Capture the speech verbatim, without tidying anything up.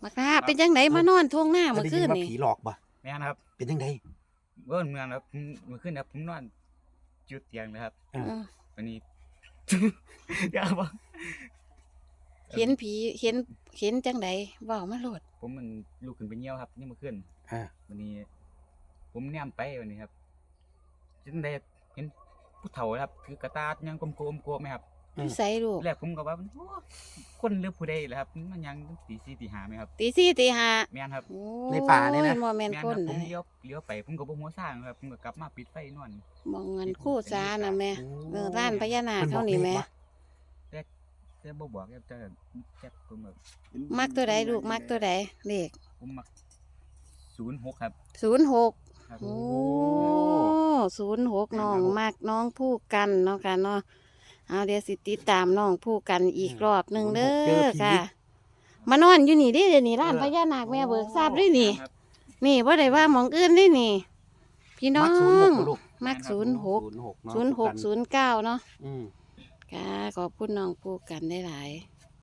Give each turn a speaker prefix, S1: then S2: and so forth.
S1: บักลาเป็นจังไดมานอนทวงหน้า
S2: ได้
S1: เมื่อ
S2: ยิ
S1: คื
S2: น
S1: น
S2: ว่า
S1: นี่
S2: ผีหลอกบ่
S3: แม่นครับ
S2: เป็นจังได
S3: เบิ่นเมืองครับผมเมื่อคืนครับผมนอนจุดเตียงเลยครับ
S2: อา
S1: เออ
S3: วันนี้ อย่าบ่
S1: เห็นผีเห็นเห็นจังไดเว้ามาโลด
S3: ผมมันลุกขึ้นไปเหี่ยวครับยามมื้อคืน
S2: อา
S3: วันนี้ ผมแนมไปวันนี้ครับจังได๋เห็นผู้เฒ่าครับถือกระตาดยังกลมๆโกะไหมครับ
S1: อยู่ ไสลูก
S3: แรกผมก็ว่าโอ้คนหรือผู้ใดล่ะครับมันยังตีสี่ตีห้าไหมครับ
S1: ตีสี่ตีห้า
S3: แม่นครับ
S1: โอ้
S2: ในป่าเนี่ยนะ
S1: ยบ่แม่น
S3: แม่น
S1: ค
S3: ครั
S1: น
S3: บผม
S1: นะ
S3: เลี้ยวเลี้ยวไปผมก็บ่หัวซ่างครับผมก็กลับมาปิดไฟนอน
S1: มองเงินคู่ซาน่ะแม่
S2: โอ้
S1: เออร้านพญานาค
S2: เพิ่นบ
S1: เขา
S2: อก
S1: นี่
S2: เล
S1: แม่
S2: ขบ่
S3: แต่แต่บ่บอกครับแต่แจ็คผมแบบ
S1: มักตัวใดลูกมักตัวใดเลข
S3: ผมมักศูนย์หกครับ
S1: ศูนย์หก
S3: ครับ
S1: โอ้ศูนย์หกน้องมักน้องผู้กันเนาะค่ะเนาะเอาเดี๋ยวสิติดตามน้องผู้กันอีกรอบหนึงเด้อค่ะ มานอนอยู่นี่เดิเดี๋ยวนี้ร้านพญานาคแม่เบิกทราบด้วยนี่
S3: ครับ
S1: นี่บ่ได้ว่าหมองอื่นได้นี่ พี่น้อ
S2: มักศูนย์ห
S1: ง
S2: กบ่ลูก
S1: มักศูนย์หก
S2: ศูนย์หกเนาะ
S1: ศูนย์หกศูนย์เก้าเนาะ
S2: อืม
S1: ค่ะขอบคุณน้องผู้กันได้หลายๆ